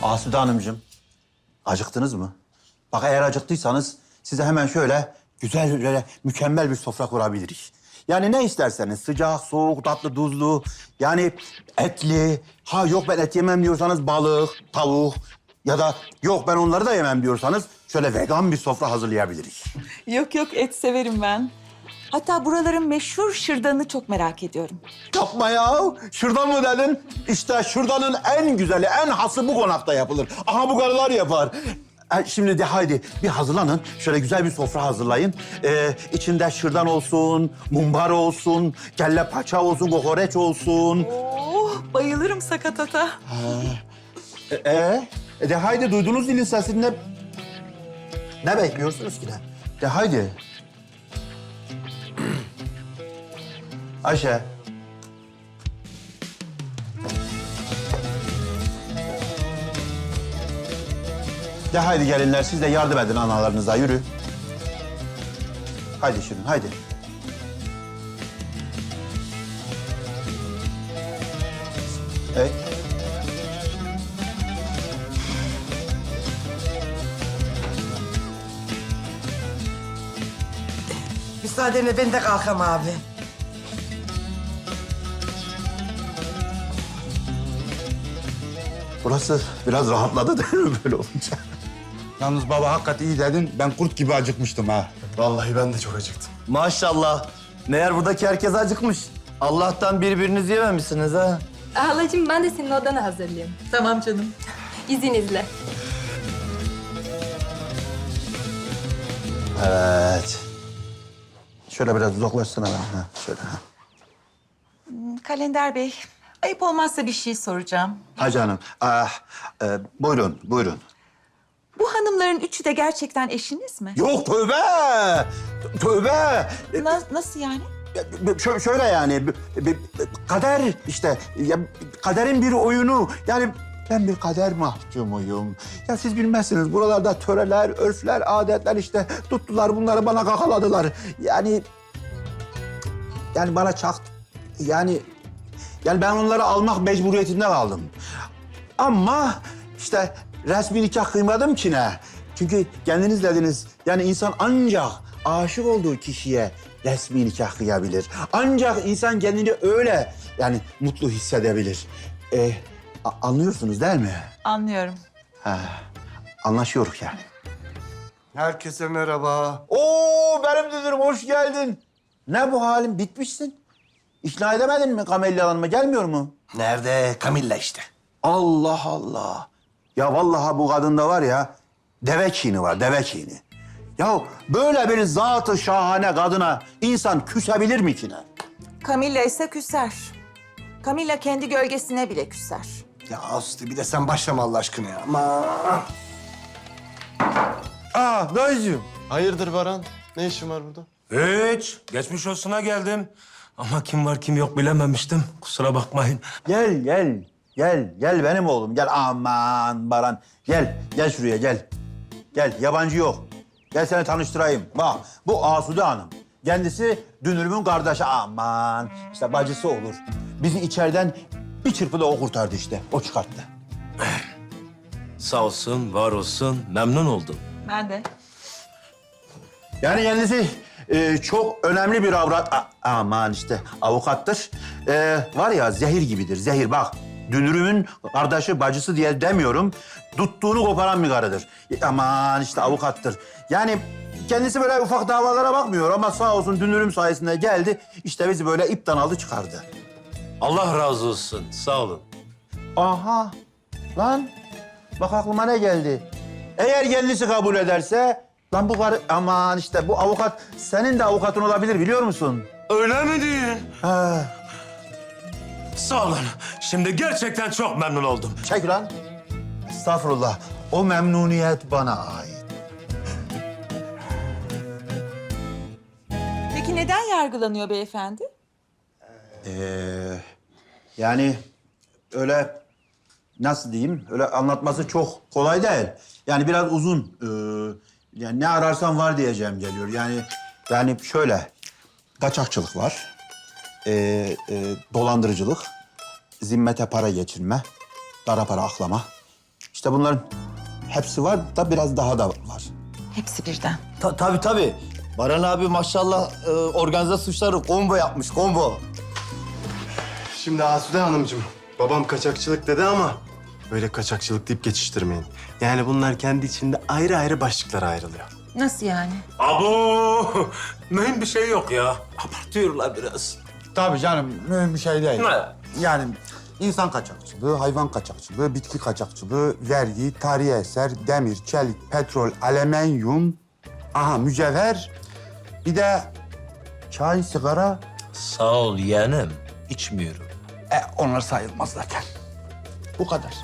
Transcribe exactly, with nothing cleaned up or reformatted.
Asude Hanımcığım, acıktınız mı? Bak eğer acıktıysanız size hemen şöyle güzel, böyle mükemmel bir sofra kurabiliriz. Yani ne isterseniz, sıcak, soğuk, tatlı, tuzlu, yani etli. Ha yok ben et yemem diyorsanız balık, tavuk ya da yok ben onları da yemem diyorsanız şöyle vegan bir sofra hazırlayabiliriz. Yok yok, et severim ben. Hatta buraların meşhur şırdanını çok merak ediyorum. Yapma ya. Şırdan mı dedin? İşte şırdanın en güzeli, en hası bu konakta yapılır. Aha bu karılar yapar. E, Şimdi de haydi bir hazırlanın. Şöyle güzel bir sofra hazırlayın. Ee, içinde şırdan olsun, mumbar olsun, kelle paça olsun, kokoreç olsun. Oh, bayılırım sakatata. Ee, e, e de haydi duydunuz dilin sesini. Ne, ne bekliyorsunuz ki ne? De haydi. Ayşe. De haydi gelinler siz de yardım edin analarınıza yürü. Haydi Şirin haydi. Evet. Müsaadenle ben de kalkam abi. Burası biraz rahatladı değil mi böyle olunca? Yalnız baba hakikaten iyi dedin. Ben kurt gibi acıkmıştım ha. Vallahi ben de çok acıktım. Maşallah. Meğer buradaki herkes acıkmış. Allah'tan birbirinizi yememişsiniz ha. Halacığım ben de senin odanı hazırlayayım. Tamam canım. İzninizle. Evet. Şöyle biraz uzaklaşsana ben. Ha, şöyle. Ha. Kalender Bey, ayıp olmazsa bir şey soracağım. Ha canım. Ah, e, buyurun, buyurun. Bu hanımların üçü de gerçekten eşiniz mi? Yok tövbe! Tövbe! Na- nasıl yani? Şö- şöyle yani, b- b- kader işte, ya, kaderin bir oyunu. Yani ben bir kader mahkumuyum. Ya siz bilmezsiniz, buralarda töreler, örfler, adetler işte tuttular bunları bana kakaladılar. Yani, yani bana çakt, yani, yani ben onları almak mecburiyetinde kaldım. Ama işte resmi nikah kıymadım ki ne? Çünkü kendiniz dediniz, yani insan ancak aşık olduğu kişiye resmi nikah kıyabilir. Ancak insan kendini öyle yani mutlu hissedebilir. Ee, a- anlıyorsunuz değil mi? Anlıyorum. Ha, anlaşıyoruz yani. Herkese merhaba. Oo benim dünürüm hoş geldin. Ne bu halin bitmişsin? İkna edemedin mi Kamelya Hanım'a gelmiyor mu? Nerede? Camilla işte. Allah Allah. Ya vallahi bu kadında var ya deve kini var, deve kini. Ya böyle bir zatı şahane kadına insan küsebilir mi ki ne? Camilla ise küser. Camilla kendi gölgesine bile küser. Ya Aslı bir de sen başlama Allah aşkına ya. Ama Aa dayıcığım. Hayırdır Baran? Ne işin var burada? Hiç. Geçmiş olsuna geldim. Ama kim var kim yok bilememiştim. Kusura bakmayın. Gel gel. Gel gel benim oğlum gel aman Baran. Gel gel şuraya gel. Gel yabancı yok. Gel seni tanıştırayım. Bak bu Asude Hanım. Kendisi dünürümün kardeşi aman. İşte bacısı olur. Bizi içeriden bir çırpıda o kurtardı işte. O çıkarttı. Sağ olsun, var olsun. Memnun oldum. Ben de. Yani kendisi e, çok önemli bir avrat... A- aman işte avukattır. E, var ya zehir gibidir, zehir bak. Dünürümün kardeşi, bacısı diye demiyorum. Tuttuğunu koparan bir karıdır. E, aman işte avukattır. Yani kendisi böyle ufak davalara bakmıyor ama sağ olsun dünürüm sayesinde geldi. İşte bizi böyle ipten aldı çıkardı. Allah razı olsun. Sağ olun. Aha lan bak aklıma ne geldi. Eğer kendisi kabul ederse... Lan bu karı... Aman işte bu avukat senin de avukatın olabilir biliyor musun? Öyle mi diyorsun? Ha. Sağ olun. Şimdi gerçekten çok memnun oldum. Çek lan. Estağfurullah. O memnuniyet bana ait. Peki neden yargılanıyor beyefendi? Ee, yani öyle nasıl diyeyim? Öyle anlatması çok kolay değil. Yani biraz uzun. Ee, yani ne ararsan var diyeceğim geliyor. Yani yani şöyle kaçakçılık var. Ee, e, dolandırıcılık, zimmete para geçirme, kara para aklama. İşte İşte bunların hepsi var da biraz daha da var. Hepsi birden. Ta tabii tabii. Baran abi maşallah e, organize suçları combo yapmış, combo. Şimdi Asude Hanımcığım, babam kaçakçılık dedi ama böyle kaçakçılık deyip geçiştirmeyin. Yani bunlar kendi içinde ayrı ayrı başlıklara ayrılıyor. Nasıl yani? Abo! Mühim bir şey yok ya. Abartıyorlar biraz. Tabii canım mühim bir şey değil. Ne? Yani insan kaçakçılığı, hayvan kaçakçılığı, bitki kaçakçılığı, vergi, tarihi eser, demir, çelik, petrol, alüminyum, aha mücevher, bir de çay, sigara. Sağ ol yeğenim. İçmiyorum. E, onlar sayılmaz zaten. Bu kadar.